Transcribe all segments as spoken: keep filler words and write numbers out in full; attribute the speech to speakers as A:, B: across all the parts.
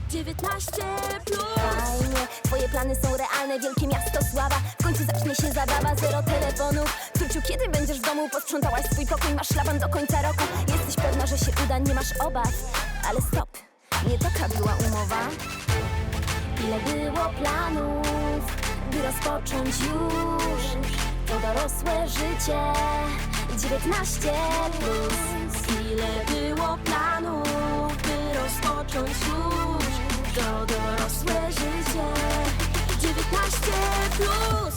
A: dziewiętnaście plus. Fajnie, twoje plany są realne, wielkie miasto sława. W końcu zacznie się zabawa, zero telefonów. Tuciu, kiedy będziesz w domu? Posprzątałaś swój pokój, masz szlaban do końca roku. Jesteś pewna, że się uda, nie masz obaw. Ale stop, nie taka była umowa. Ile było planów, by rozpocząć już to dorosłe życie. dziewiętnaście plus. Ile było planów, by rozpocząć już to dorosłe życie. dziewiętnaście plus.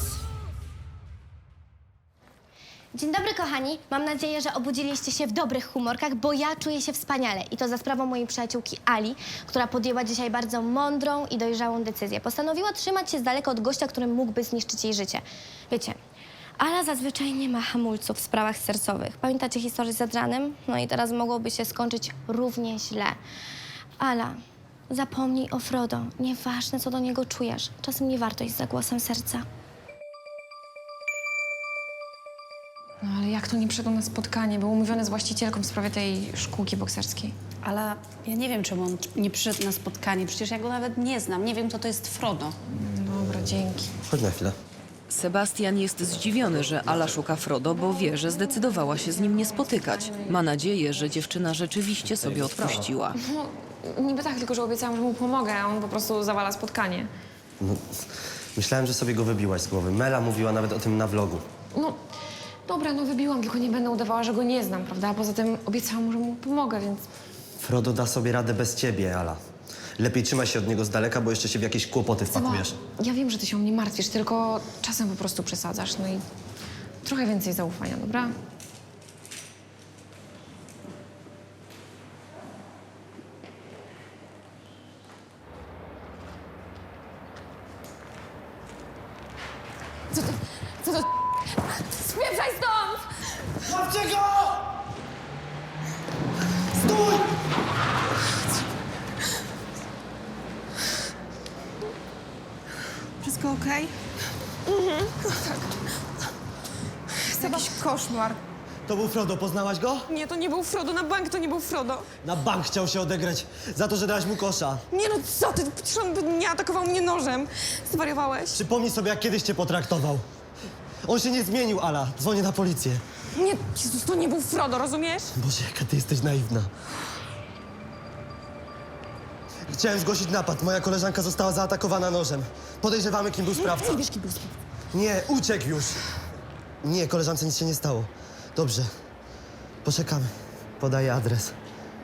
B: Dzień dobry, kochani. Mam nadzieję, że obudziliście się w dobrych humorkach, bo ja czuję się wspaniale. I to za sprawą mojej przyjaciółki Ali, która podjęła dzisiaj bardzo mądrą i dojrzałą decyzję. Postanowiła trzymać się z daleka od gościa, który mógłby zniszczyć jej życie. Wiecie, Ala zazwyczaj nie ma hamulców w sprawach sercowych. Pamiętacie historię z Adrianem? No i teraz mogłoby się skończyć równie źle. Ala, zapomnij o Frodo. Nieważne, co do niego czujesz. Czasem nie warto iść za głosem serca.
C: No ale jak to nie przyszedł na spotkanie? Był umówiony z właścicielką w sprawie tej szkółki bokserskiej.
D: Ale ja nie wiem, czemu on nie przyszedł na spotkanie. Przecież ja go nawet nie znam. Nie wiem, kto to jest Frodo.
C: Dobra, dzięki.
E: Chodź na chwilę.
F: Sebastian jest zdziwiony, że Ala szuka Frodo, bo wie, że zdecydowała się z nim nie spotykać. Ma nadzieję, że dziewczyna rzeczywiście sobie odpuściła.
C: No, niby tak, tylko że obiecałam, że mu pomogę, a on po prostu zawala spotkanie.
E: No, myślałem, że sobie go wybiłaś z głowy. Mela mówiła nawet o tym na vlogu.
C: No, dobra, no wybiłam, tylko nie będę udawała, że go nie znam, prawda? A poza tym obiecałam mu, że mu pomogę, więc...
E: Frodo da sobie radę bez ciebie, Ala. Lepiej trzymaj się od niego z daleka, bo jeszcze się w jakieś kłopoty wpakujesz.
C: No, ja wiem, że ty się o mnie martwisz, tylko czasem po prostu przesadzasz, no i trochę więcej zaufania, dobra? Co to? Co to? Spieprzaj stąd!
E: Łapcie go! Stój!
G: Wszystko okej? Mhm. Tak. Jest jakiś koszmar.
E: To był Frodo, poznałaś go?
G: Nie, to nie był Frodo, na bank to nie był Frodo.
E: Na bank chciał się odegrać za to, że dałaś mu kosza.
G: Nie no, co ty? Przecież on by nie atakował mnie nożem. Zwariowałeś?
E: Przypomnij sobie, jak kiedyś cię potraktował. On się nie zmienił, Ala. Dzwonię na policję.
G: Nie, Jezus, to nie był Frodo, rozumiesz?
E: Boże, jaka ty jesteś naiwna. Chciałem zgłosić napad. Moja koleżanka została zaatakowana nożem. Podejrzewamy, kim był sprawca.
G: Nie wiesz, kim był sprawca.
E: Nie, uciekł już. Nie, koleżance nic się nie stało. Dobrze. Poczekamy. Podaję adres.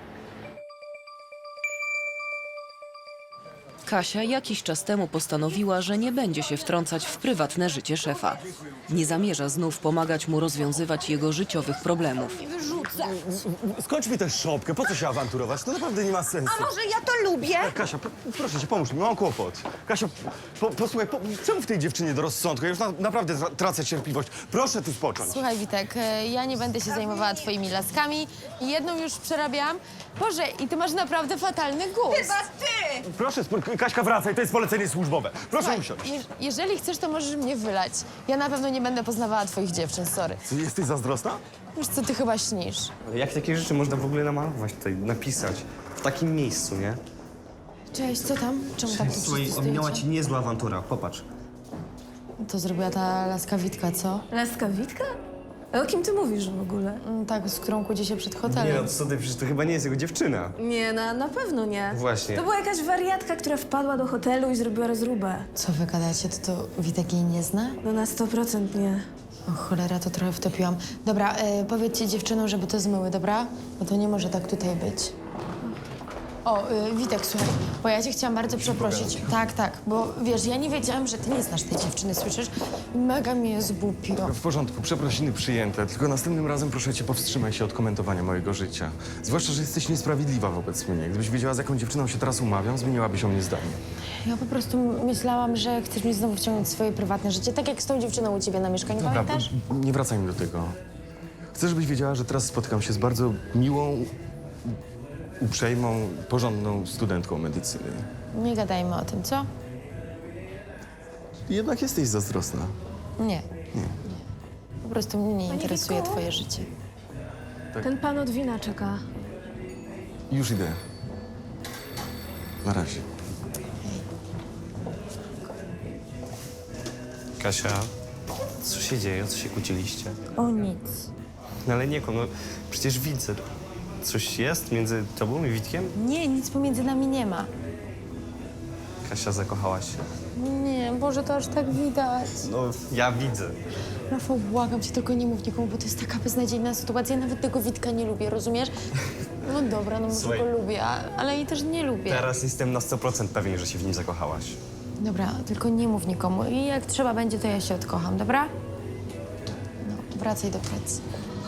F: Kasia jakiś czas temu postanowiła, że nie będzie się wtrącać w prywatne życie szefa. Nie zamierza znów pomagać mu rozwiązywać jego życiowych problemów.
H: Skończ mi tę szopkę, po co się awanturować? To naprawdę nie ma sensu.
G: A może ja to lubię?
H: Kasia, p- proszę cię, pomóż mi, mam kłopot. Kasia, po, posłuchaj, po, czemu w tej dziewczynie do rozsądku? Ja już na, naprawdę tra- tracę cierpliwość. Proszę tu spocząć.
I: Słuchaj, Witek, e, ja nie będę się zajmowała twoimi laskami. Jedną już przerabiałam. Boże, i ty masz naprawdę fatalny gust.
H: Proszę, spo- Kaśka, wracaj, to jest polecenie służbowe. Proszę
I: Słuchaj,
H: usiąść.
I: je, jeżeli chcesz, to możesz mnie wylać. Ja na pewno nie będę poznawała twoich dziewczyn, sorry.
H: Ty jesteś zazdrosna?
I: Wiesz co, ty chyba śnisz.
J: Ale jak takie rzeczy można w ogóle namalować tutaj, napisać? W takim miejscu, nie?
I: Cześć, co tam? Czemu tak
J: Słuchaj, ominęła ci niezła awantura, popatrz.
I: To zrobiła ta laska Witka, co?
K: Laska Witka? A o kim ty mówisz w ogóle?
I: Mm, Tak, z którą kłóci się przed
J: Nie
I: hotelem.
J: no, co ty, przecież to chyba nie jest jego dziewczyna.
K: Nie, na, na pewno nie.
J: Właśnie.
K: To była jakaś wariatka, która wpadła do hotelu i zrobiła rozróbę.
I: Co wy gadacie? To, to Witek jej nie zna?
K: No na sto procent nie.
I: O cholera, to trochę wtopiłam. Dobra, e, powiedzcie dziewczynom, żeby to zmyły, dobra? Bo to nie może tak tutaj być. O, y, Witek, słuchaj, bo ja cię chciałam bardzo przeprosić. Tak, tak, bo wiesz, ja nie wiedziałam, że ty nie znasz tej dziewczyny, słyszysz? Mega mnie zgłupiło.
H: W porządku, przeprosiny przyjęte, tylko następnym razem proszę cię powstrzymaj się od komentowania mojego życia. Zwłaszcza, że jesteś niesprawiedliwa wobec mnie. Gdybyś wiedziała, z jaką dziewczyną się teraz umawiam, zmieniłabyś o mnie zdanie.
I: Ja po prostu myślałam, że chcesz mi znowu wciągnąć w swoje prywatne życie, tak jak z tą dziewczyną u ciebie na mieszkaniu,
H: Dobra,
I: pamiętasz?
H: b- nie wracajmy do tego. Chcę, żebyś wiedziała, że teraz spotykam się z bardzo miłą, uprzejmą, porządną studentką medycyny.
I: Nie gadajmy o tym, co?
H: Jednak jesteś zazdrosna.
I: Nie. Nie. Po prostu mnie nie interesuje
K: Witku?
I: twoje życie.
K: Ten pan od wina czeka.
H: Już idę. Na razie.
J: Kasia, co się dzieje? O co się kłóciliście?
K: O nic.
J: No ale nie, no przecież widzę. Coś jest między tobą i Witkiem?
I: Nie, nic pomiędzy nami nie ma.
J: Kasia, zakochałaś się.
I: Nie, Boże, to aż tak widać.
J: No, ja widzę.
I: Rafał, błagam cię, tylko nie mów nikomu, bo to jest taka beznadziejna sytuacja. Ja nawet tego Witka nie lubię, rozumiesz? No dobra, no może
J: Słuchaj.
I: go lubię, a- ale i też nie lubię.
J: Teraz jestem na sto procent pewien, że się w nim zakochałaś.
I: Dobra, tylko nie mów nikomu i jak trzeba będzie, to ja się odkocham, dobra? No, wracaj do pracy.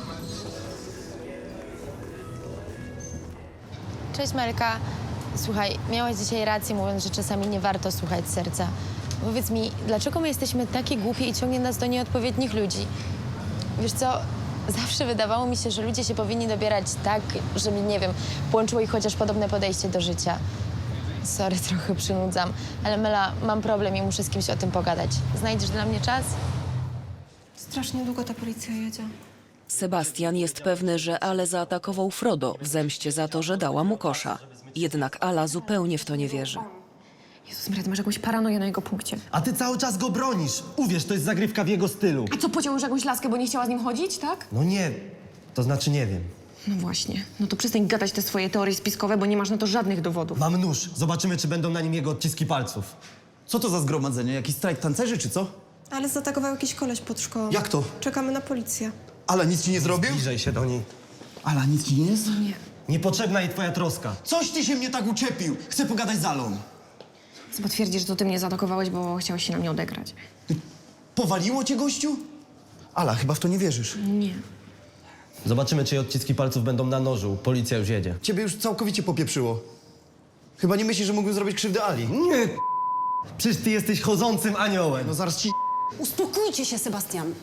I: Cześć, Melka. Słuchaj, miałaś dzisiaj rację, mówiąc, że czasami nie warto słuchać serca. Powiedz mi, dlaczego my jesteśmy takie głupie i ciągnie nas do nieodpowiednich ludzi? Wiesz co, zawsze wydawało mi się, że ludzie się powinni dobierać tak, żeby, nie wiem, połączyło ich chociaż podobne podejście do życia. Sorry, trochę przynudzam, ale Mela, mam problem i muszę z kimś o tym pogadać. Znajdziesz dla mnie czas?
G: Strasznie długo ta policja jedzie.
F: Sebastian jest pewny, że Ale zaatakował Frodo w zemście za to, że dała mu kosza. Jednak Ala zupełnie w to nie wierzy.
C: Jezus Maria, ty masz jakąś paranoję na jego punkcie.
E: A ty cały czas go bronisz. Uwierz, to jest zagrywka w jego stylu.
C: A co, pociął już jakąś laskę, bo nie chciała z nim chodzić, tak?
E: No nie, to znaczy nie wiem.
C: No właśnie. No to przestań gadać te swoje teorie spiskowe, bo nie masz na to żadnych dowodów.
E: Mam nóż. Zobaczymy, czy będą na nim jego odciski palców.
L: Co to za zgromadzenie? Jakiś strajk tancerzy, czy co?
G: Ale zaatakował jakiś koleś pod szkołą.
L: Jak to?
G: Czekamy na policję.
L: Ala nic ci nie zrobił?
E: Bliżej się do niej.
L: Ala nic ci nie jest?
C: Nie.
E: Niepotrzebna jej twoja troska.
L: Coś ty się mnie tak uczepił! Chcę pogadać z Alą.
C: Chyba twierdzi, że to ty mnie zaatakowałeś, bo chciałeś się na mnie odegrać.
L: Powaliło cię, gościu? Ala, chyba w to nie wierzysz.
C: Nie.
E: Zobaczymy, czy jej odciski palców będą na nożu. Policja już jedzie.
L: Ciebie już całkowicie popieprzyło. Chyba nie myślisz, że mógłbym zrobić krzywdę Ali.
E: Nie, przecież ty jesteś chodzącym aniołem.
L: No zaraz ci...
D: Uspokójcie się, Sebastian.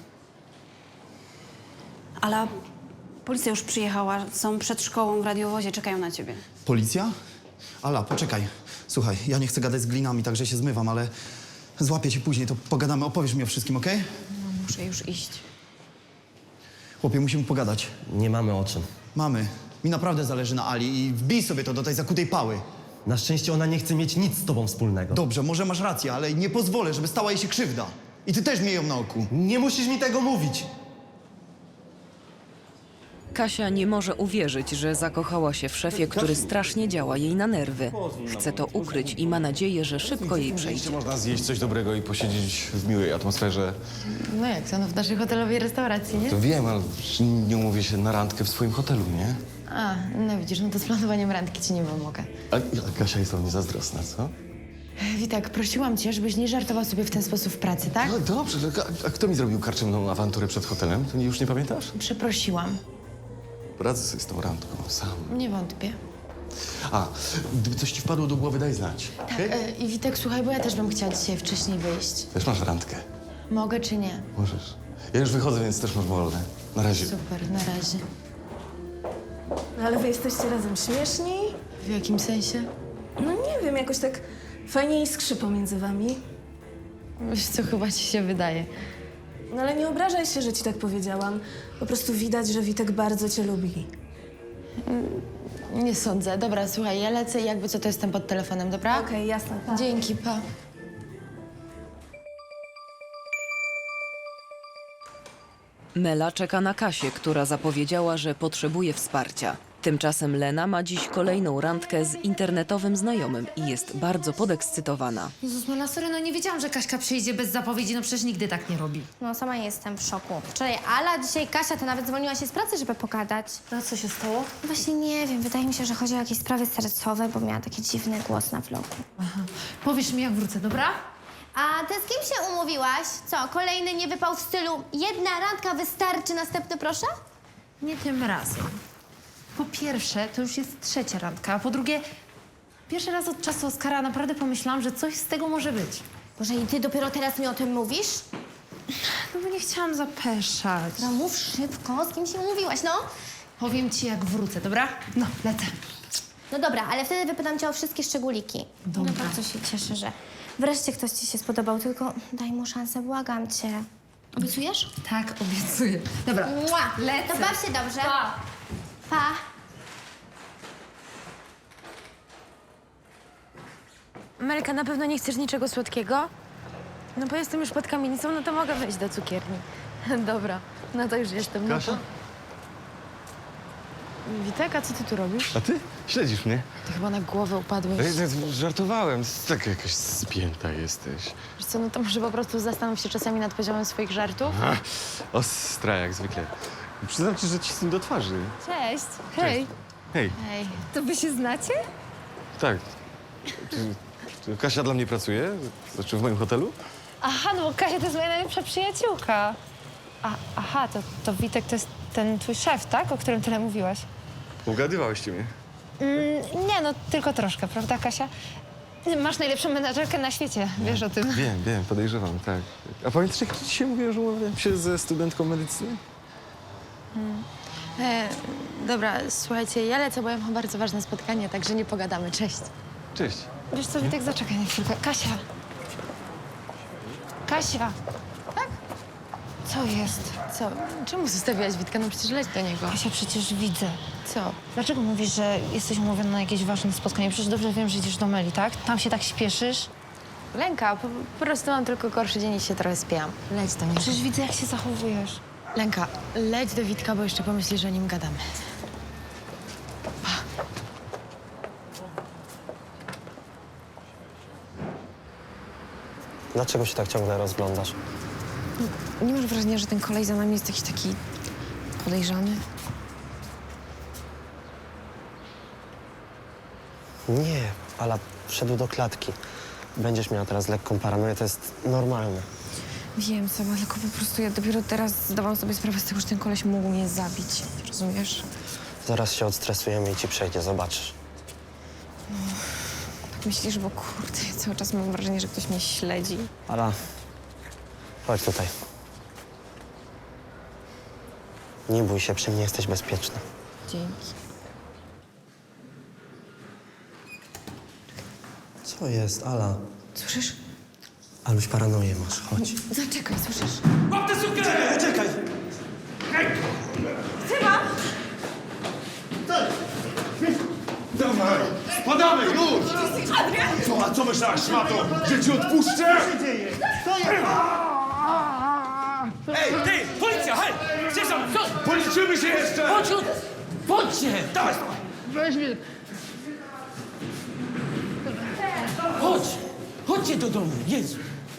D: Ala, policja już przyjechała. Są przed szkołą w radiowozie, czekają na ciebie.
L: Policja? Ala, poczekaj. Słuchaj, ja nie chcę gadać z glinami, także się zmywam, ale złapię cię później, to pogadamy, opowiesz mi o wszystkim, okej?
C: No, muszę już iść.
L: Chłopie, musimy pogadać.
E: Nie mamy o czym.
L: Mamy. Mi naprawdę zależy na Ali i wbij sobie to do tej zakutej pały.
E: Na szczęście ona nie chce mieć nic z tobą wspólnego.
L: Dobrze, może masz rację, ale nie pozwolę, żeby stała jej się krzywda. I ty też miej ją na oku.
E: Nie musisz mi tego mówić.
F: Kasia nie może uwierzyć, że zakochała się w szefie, który strasznie działa jej na nerwy. Chce to ukryć i ma nadzieję, że szybko jej przejdzie.
H: Można zjeść coś dobrego i posiedzieć w miłej atmosferze.
I: No jak to, no w naszej hotelowej restauracji, nie?
H: To wiem, ale nie umówię się na randkę w swoim hotelu, nie?
I: A, no widzisz, no to z planowaniem randki ci nie pomogę.
H: A, a Kasia jest o mnie zazdrosna, co?
I: Witek, prosiłam cię, żebyś nie żartował sobie w ten sposób w pracy, tak?
H: No dobrze, a, a kto mi zrobił karczemną awanturę przed hotelem? To już nie pamiętasz?
I: Przeprosiłam.
H: Radzę sobie z tą randką, sam.
I: Nie wątpię.
H: A, gdyby coś ci wpadło do głowy, daj znać.
I: Tak,
H: okej?
I: e, i Witek, słuchaj, bo ja też bym chciała dzisiaj wcześniej wyjść.
H: Też masz randkę.
I: Mogę czy nie?
H: Możesz. Ja już wychodzę, więc też masz wolne. Na razie.
I: Super, na razie.
K: No ale wy jesteście razem śmieszni?
I: W jakim sensie?
K: No nie wiem, jakoś tak fajnie iskrzy pomiędzy wami.
I: Wiesz co, chyba ci się wydaje.
K: No ale nie obrażaj się, że ci tak powiedziałam. Po prostu widać, że Witek bardzo cię lubi.
I: Nie sądzę. Dobra, słuchaj, ja lecę i jakby co, to jestem pod telefonem, dobra?
K: Okej, jasne. Pa.
I: Dzięki, pa.
F: Mela czeka na Kasię, która zapowiedziała, że potrzebuje wsparcia. Tymczasem Lena ma dziś kolejną randkę z internetowym znajomym i jest bardzo podekscytowana.
M: Jezus, Mela, sorry, no nie wiedziałam, że Kaśka przyjdzie bez zapowiedzi, no przecież nigdy tak nie robi.
B: No sama jestem w szoku. Wczoraj Ala, dzisiaj Kasia, to nawet zwolniła się z pracy, żeby pogadać.
K: No co się stało?
B: Właśnie nie wiem, wydaje mi się, że chodzi o jakieś sprawy sercowe, bo miała taki dziwny głos na vlogu.
M: Powiesz mi, jak wrócę, dobra?
B: A ty z kim się umówiłaś? Co, kolejny nie wypał w stylu jedna randka wystarczy, następny proszę?
M: Nie tym razem. Po pierwsze, to już jest trzecia randka, a po drugie, pierwszy raz od czasu Oskara naprawdę pomyślałam, że coś z tego może być.
B: Boże, i ty dopiero teraz mi o tym mówisz?
M: No bo nie chciałam zapeszać.
B: No mów szybko, z kim się umówiłaś, no?
M: Powiem ci, jak wrócę, dobra? No, lecę.
B: No dobra, ale wtedy wypytam cię o wszystkie szczególiki.
M: Dobra.
B: No bardzo się cieszę, że wreszcie ktoś ci się spodobał, tylko daj mu szansę, błagam cię. Obiecujesz?
M: Tak, obiecuję. Dobra,
B: Mua!
M: lecę.
B: To baw się dobrze.
M: Pa.
B: Pa.
I: Melka, na pewno nie chcesz niczego słodkiego? No bo jestem już pod kamienicą, no to mogę wejść do cukierni. Dobra, no to już jestem.
H: Kasia?
I: No to... Witek, a co ty tu robisz?
H: A ty? Śledzisz mnie?
I: Ty chyba na głowę upadłeś.
H: Ej, ej, żartowałem. Tak jakaś spięta jesteś.
I: Wiesz co, no to może po prostu zastanów się czasami nad poziomem swoich żartów.
H: Aha, ostra jak zwykle. Przyznam ci, że cisnę do twarzy.
C: Cześć.
H: Hej. Hej,
I: Hej.
C: To wy się znacie?
H: tak. Czy, czy Kasia dla mnie pracuje? Znaczy w moim hotelu?
M: Aha, no bo Kasia to jest moja najlepsza przyjaciółka. A, aha, to, to Witek to jest ten twój szef, tak? O którym tyle mówiłaś.
H: Ugadywałyście mnie.
M: Mm, nie, no tylko troszkę, prawda, Kasia? Masz najlepszą menadżerkę na świecie, wiesz o tym.
H: Wiem, wiem, podejrzewam, tak. A pamiętasz, jak dzisiaj mówiłem, że umawiałem się ze studentką medycyny?
I: E, dobra, słuchajcie, ja lecę, bo ja mam bardzo ważne spotkanie, także nie pogadamy. Cześć.
H: Cześć.
M: Wiesz co, Witek, zaczekaj na chwilkę. Kasia! Kasia! Tak? Co jest?
I: Co? Czemu zostawiłaś Witka? No przecież leć do niego.
M: Kasia, przecież widzę.
I: Co?
M: Dlaczego mówisz, że jesteś umówiona na jakieś ważne spotkanie? Przecież dobrze wiem, że idziesz do Meli, tak? Tam się tak śpieszysz.
I: Lęka, po, po prostu mam tylko gorszy dzień i się trochę spiałam. Leć do niego.
M: Przecież widzę, jak się zachowujesz.
I: Lęka, leć do Witka, bo jeszcze pomyśli, że o nim gadamy.
E: Dlaczego się tak ciągle rozglądasz?
C: Nie masz wrażenia, że ten kolej za nami jest jakiś taki podejrzany?
E: Nie, Ala wszedł do klatki. Będziesz miała teraz lekką paranoję, to jest normalne.
C: Wiem, Seba, tylko po prostu ja dopiero teraz zdawałam sobie sprawę z tego, że ten koleś mógł mnie zabić. Rozumiesz?
E: Zaraz się odstresujemy i ci przejdzie, zobaczysz.
C: Tak myślisz, bo kurde, ja cały czas mam wrażenie, że ktoś mnie śledzi.
E: Ala, chodź tutaj. Nie bój się, przy mnie jesteś bezpieczna.
C: Dzięki.
E: Co jest, Ala?
C: Słyszysz?
E: Aluś, paranoję masz, chodź.
C: Zaczekaj, słyszysz?
N: Łap tę sukę!
E: Uciekaj!
N: Dawaj! Spadamy, już! Co, a co myślałaś, szmato? Że ci odpuszczę? Co się dzieje? Co jest? Ej, ty! Policja, hej! Gdzie są? Co? Policzymy się jeszcze! Chodź, chodźcie! Dawaj! Weź mnie! Chodź! Chodźcie do domu, Jezu!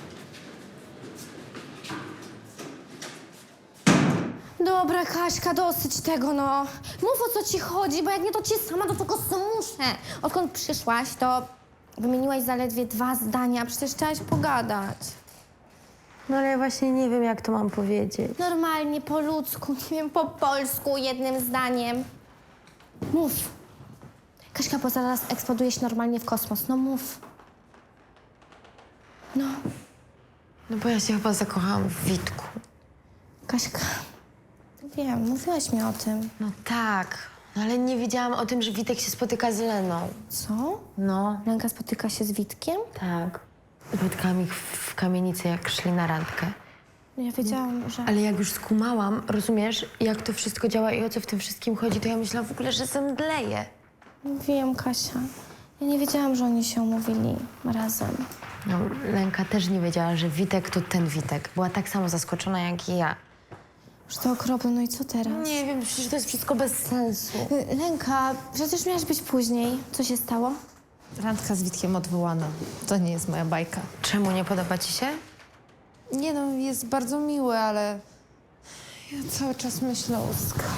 B: Dobra, Kaśka, dosyć tego, no. Mów, o co ci chodzi, bo jak nie, to cię sama do tego zmuszę. Odkąd przyszłaś, to wymieniłaś zaledwie dwa zdania, przecież chciałaś pogadać.
I: No ale ja właśnie nie wiem, jak to mam powiedzieć.
B: Normalnie, po ludzku, nie wiem, po polsku, jednym zdaniem. Mów. Kaśka, bo zaraz eksplodujesz normalnie w kosmos, no mów. No.
I: No bo ja się chyba zakochałam w Witku.
B: Kaśka, wiem, mówiłaś mi o tym.
I: No tak, no ale nie wiedziałam o tym, że Witek się spotyka z Leną.
B: Co?
I: No.
B: Lenka spotyka się z Witkiem?
I: Tak. Spotkałam ich w kamienicy, jak szli na randkę.
B: Ja wiedziałam, że...
I: Ale jak już skumałam, rozumiesz, jak to wszystko działa i o co w tym wszystkim chodzi, to ja myślałam w ogóle, że zemdleję.
B: Wiem, Kasia. Ja nie wiedziałam, że oni się umówili razem.
I: No, Lenka też nie wiedziała, że Witek to ten Witek. Była tak samo zaskoczona jak i ja.
B: Już to okropne, no i co teraz?
I: Nie wiem, przecież to jest wszystko bez sensu.
B: Y, Lenka, przecież miałaś być później. Co się stało?
M: Randka z Witkiem odwołana. To nie jest moja bajka.
I: Czemu nie podoba ci się?
M: Nie no, jest bardzo miły, ale ja cały czas myślę o Oskarze.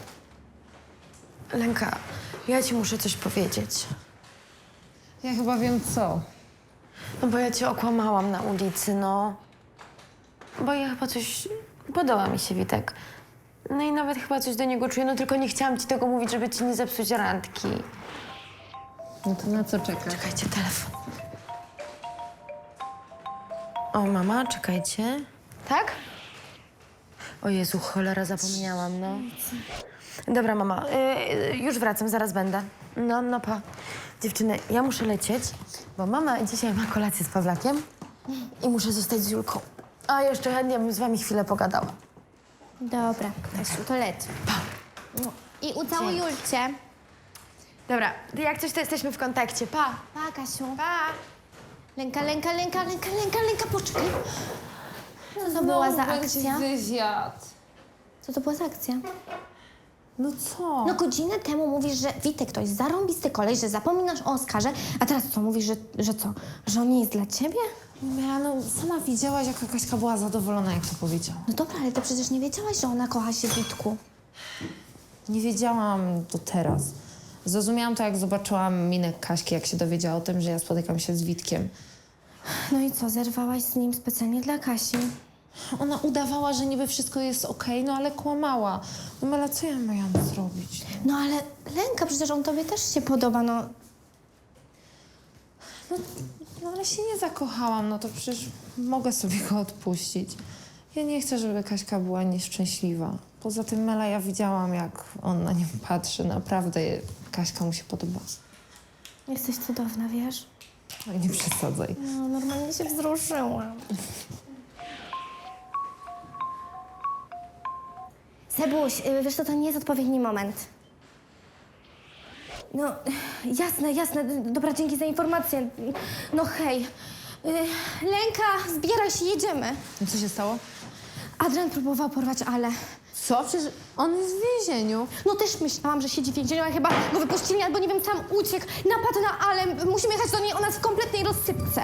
I: Lenka, ja ci muszę coś powiedzieć.
M: Ja chyba wiem co.
I: No bo ja cię okłamałam na ulicy, no. Bo ja chyba coś... Podoba mi się Witek. No i nawet chyba coś do niego czuję, no tylko nie chciałam ci tego mówić, żeby ci nie zepsuć randki.
M: No to na co czekasz?
I: Czekajcie, telefon. O, mama, czekajcie. Tak? O Jezu, cholera, zapomniałam, no. Dobra, mama, y, już wracam, zaraz będę. No, no pa. Dziewczyny, ja muszę lecieć, bo mama dzisiaj ma kolację z Pawlakiem i muszę zostać z Julką. A jeszcze chętnie bym z wami chwilę pogadała.
B: Dobra, Kasiu, to leć.
I: Pa.
B: No. I ucałuj Julcie.
I: Dobra, jak coś, to jesteśmy w kontakcie. Pa.
B: Pa, Kasiu.
I: Pa.
B: Lenka, Lenka, Lenka, Lenka, Lenka, Lenka, poczekaj. Co to była za akcja?
M: Wywiad.
B: Co to była za akcja?
M: No co?
B: No godzinę temu mówisz, że Witek to jest zarąbisty koleś, że zapominasz o Oskarze, a teraz co, mówisz, że, że co? Że on nie jest dla ciebie?
M: Mela, no sama widziałaś, jaka Kaśka była zadowolona, jak to powiedziała.
B: No dobra, ale ty przecież nie wiedziałaś, że ona kocha się w Witku.
M: Nie wiedziałam do teraz. Zrozumiałam to, jak zobaczyłam minę Kaśki, jak się dowiedziała o tym, że ja spotykam się z Witkiem.
B: No i co, zerwałaś z nim specjalnie dla Kasi?
M: Ona udawała, że niby wszystko jest okej, no ale kłamała. No Mela, co ja miałam zrobić?
B: No ale Lenka, przecież on tobie też się podoba, no.
M: No, no ale się nie zakochałam, no to przecież mogę sobie go odpuścić. Ja nie chcę, żeby Kaśka była nieszczęśliwa. Poza tym, Mela, ja widziałam, jak on na nią patrzy. Naprawdę Kaśka mu się podoba.
B: Jesteś cudowna, wiesz?
M: Oj, nie przesadzaj.
B: No, normalnie się wzruszyłam. Sebuś, y, wiesz co, to nie jest odpowiedni moment. No, jasne, jasne. Dobra, dzięki za informację. No hej. Y, Lenka, zbieraj się, jedziemy.
M: Co się stało?
B: Adrian próbował porwać Ale.
M: Co? Przecież on jest w więzieniu.
B: No też myślałam, że siedzi w więzieniu, ale chyba go wypuścili, albo nie wiem, sam uciekł. Napadł na Ale. Musimy jechać do niej, ona jest w kompletnej rozsypce.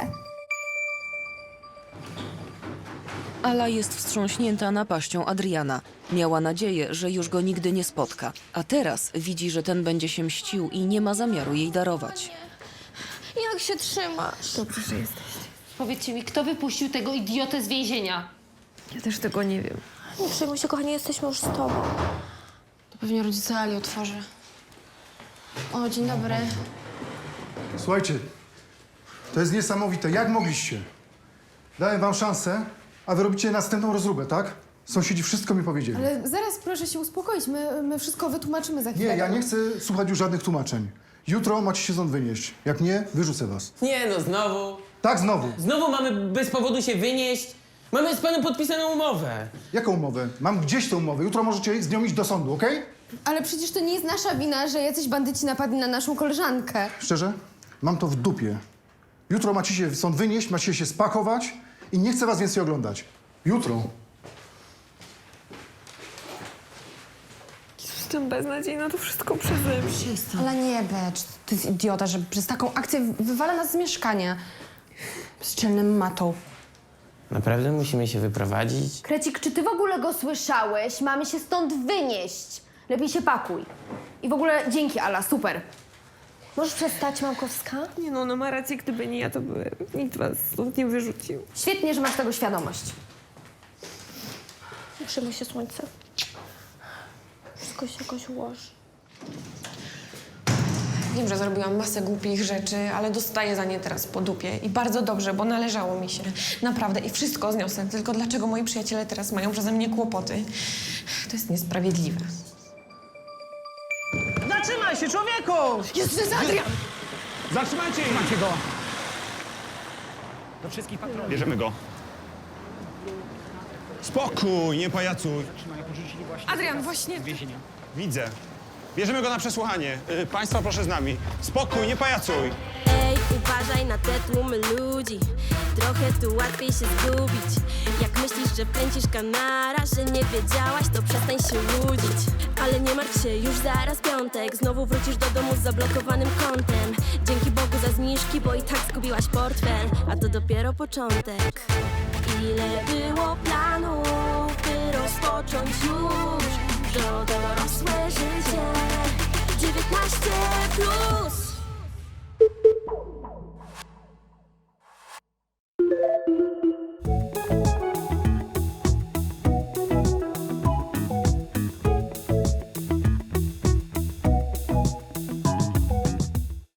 F: Ala jest wstrząśnięta napaścią Adriana. Miała nadzieję, że już go nigdy nie spotka. A teraz widzi, że ten będzie się mścił i nie ma zamiaru jej darować.
B: Jak się trzymasz?
K: Dobrze, że jesteś.
M: Powiedzcie mi, kto wypuścił tego idiotę z więzienia?
K: Ja też tego nie wiem.
B: Nie przejmuj się, kochanie, jesteśmy już z tobą.
C: To pewnie rodzice Ali otworzy. O, dzień dobry.
O: Słuchajcie, to jest niesamowite. Jak mogliście? Dałem wam szansę, a wy robicie następną rozróbę, tak? Sąsiedzi wszystko mi powiedzieli.
I: Ale zaraz proszę się uspokoić, my, my wszystko wytłumaczymy za
O: Nie,
I: chwilę.
O: ja nie chcę słuchać już żadnych tłumaczeń. Jutro macie się stąd wynieść. Jak nie, wyrzucę was.
N: Nie no, znowu.
O: Tak, znowu.
N: Znowu mamy bez powodu się wynieść. Mamy z panem podpisaną umowę.
O: Jaką umowę? Mam gdzieś tę umowę. Jutro możecie z nią iść do sądu, okej?
I: Ale przecież to nie jest nasza wina, że jacyś bandyci napadli na naszą koleżankę.
O: Szczerze? Mam to w dupie. Jutro macie się stąd wynieść, macie się spakować i nie chcę was więcej oglądać. Jutro.
G: Jestem beznadziejna, to wszystko przeze mnie.
C: Ale nie becz, to jest idiota, że przez taką akcję wywala nas z mieszkania. Bezczelnym matą.
N: Naprawdę musimy się wyprowadzić?
A: Krecik, czy ty w ogóle go słyszałeś? Mamy się stąd wynieść. Lepiej się pakuj. I w ogóle dzięki, Ala, super.
B: Możesz przestać, Małkowska?
G: Nie no, ona ma rację, gdyby nie ja, to by nikt was stąd nie wyrzucił.
A: Świetnie, że masz tego świadomość.
B: Nie przejmuj się, słońce. Wszystko się jakoś ułoży.
C: Wiem, że zrobiłam masę głupich rzeczy, ale dostaję za nie teraz po dupie. I bardzo dobrze, bo należało mi się. Naprawdę. I wszystko zniosę. Tylko dlaczego moi przyjaciele teraz mają przeze mnie kłopoty? To jest niesprawiedliwe.
N: Zatrzymaj się, człowieku!
C: Jest, to jest Adrian!
N: Zatrzymajcie ich! Macie go!
J: Do wszystkich patronów. Bierzemy go. Spokój, nie pajacuj.
G: Adrian, właśnie...
J: Widzę. Bierzemy go na przesłuchanie. Y, państwa, proszę z nami. Spokój, nie pajacuj.
P: Ej, uważaj na te tłumy ludzi. Trochę tu łatwiej się zgubić. Jak myślisz, że pędzisz kanara, że nie wiedziałaś, to przestań się łudzić. Ale nie martw się, już zaraz piątek. Znowu wrócisz do domu z zablokowanym kontem. Dzięki Bogu za zniżki, bo i tak zgubiłaś portfel. A to dopiero początek. Ile było planów, by rozpocząć już to dorosłe życie. dziewiętnaście plus.